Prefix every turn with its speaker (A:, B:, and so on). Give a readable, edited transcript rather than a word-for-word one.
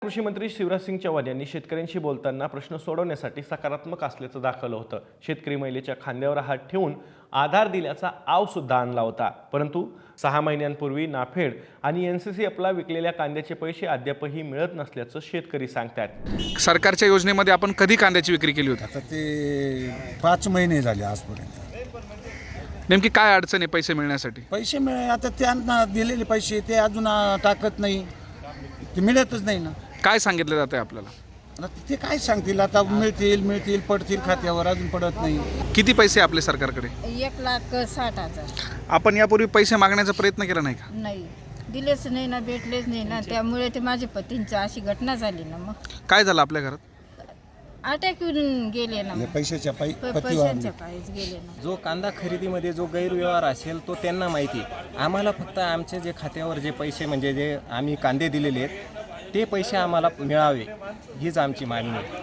A: कृषी मंत्री शिवराज सिंग चौहान यांनी शेतकऱ्यांशी बोलताना प्रश्न सोडवण्यासाठी सकारात्मक असल्याचं दाखवलं होतं। शेतकरी महिलेच्या खांद्यावर हात ठेवून आधार दिल्याचा आव सुद्धा आणला होता। परंतु 6 महिन्यांपूर्वी नाफेड आणि NCCFला विकलेल्या कांद्याचे पैसे अद्यापही मिळत नसल्याचं शेतकरी सांगतात।
B: सरकारच्या योजनेमध्ये आपण कधी कांद्याची विक्री केली होती?
C: आता ते 5 महिने झाले आजपर्यंत।
B: नेमकी काय अडचण आहे पैसे मिळण्यासाठी?
C: पैसे मिळे आता त्यांना दिलेले पैसे ते अजून टाकत नाही, ते मिळतच नाही ना।
B: काय सांगितलं जातं आपल्याला?
C: आता ते काय सांगतील, आता मिळतील पडतील खात्यावर, अजून पडत नाही।
B: किती पैसे आपले सरकारकडे?
D: 1,60,000
B: आपण यापूर्वी पैसे मागण्याचा प्रयत्न केला नाही का?
D: नाही दिलेच नाही ना, भेटलेच नाही ना, त्यामुळे ते माझ्या पतींची अशी घटना झाली ना। मग
B: काय झालं आपल्या घरात?
D: अटॅक येऊन गेले ना,
C: पैशाच्या
D: पैशांच्या पायीच गेले ना।
E: जो कांदा खरेदीमध्ये जो गैरव्यवहार असेल तो त्यांना माहिती। आम्हाला फक्त आमचे जे खात्यावर जे पैसे म्हणजे जे आम्ही कांदे दिलेले आहेत ते पैसे आम्हाला मिळावे हीच आमची मागणी आहे।